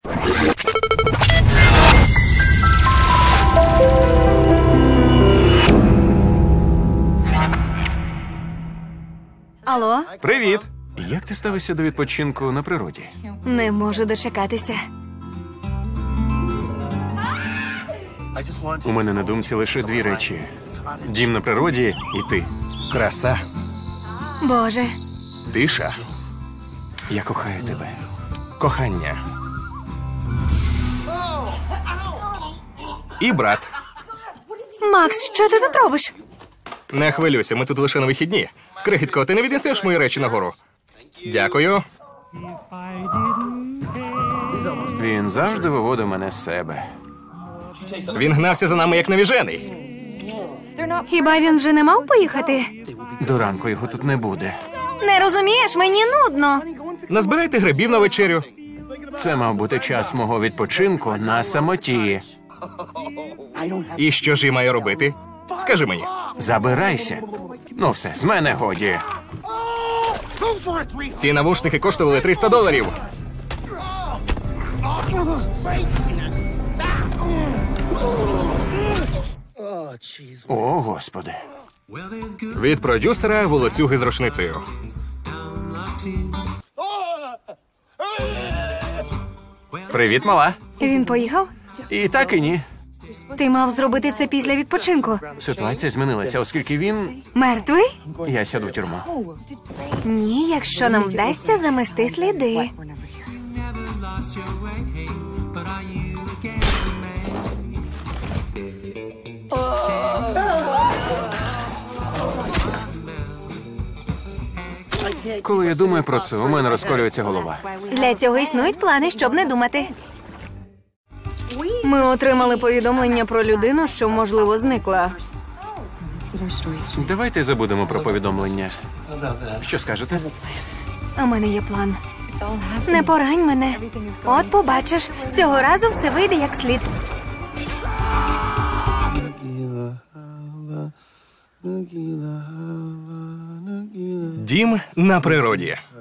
Алло? Привіт! Як ти ставишся до відпочинку на природі? Не можу дочекатися. У мене на думці лише дві речі. Дім на природі і ти. Краса, Боже. тиша, Я кохаю тебе. кохання. І брат. Макс, що ти тут робиш? Не хвилюйся, ми тут лише на вихідні. Крихітко, ти не віднесеш мої речі нагору? Дякую. Він завжди виводив мене з себе. Він гнався за нами як навіжений. Хіба він вже не мав поїхати? До ранку його тут не буде. Не розумієш, мені нудно. Назбирайте грибів на вечерю. Це мав бути час мого відпочинку на самоті. І що ж я маю робити? Скажи мені. Забирайся. Ну все, з мене годі. Ці навушники коштували $300. О, Господи. Від продюсера волоцюги з рушницею. Привіт, мала. Він поїхав? І так, і ні. Ти мав зробити це після відпочинку. Ситуація змінилася, оскільки він... Мертвий? Я сяду в тюрму. Ні, якщо нам вдасться замести сліди. Коли я думаю про це, у мене розколюється голова. Для цього існують плани, щоб не думати. Ми отримали повідомлення про людину, що, можливо, зникла. Давайте забудемо про повідомлення. Що скажете? У мене є план. Не порань мене. От побачиш, цього разу все вийде як слід. Дім на природі.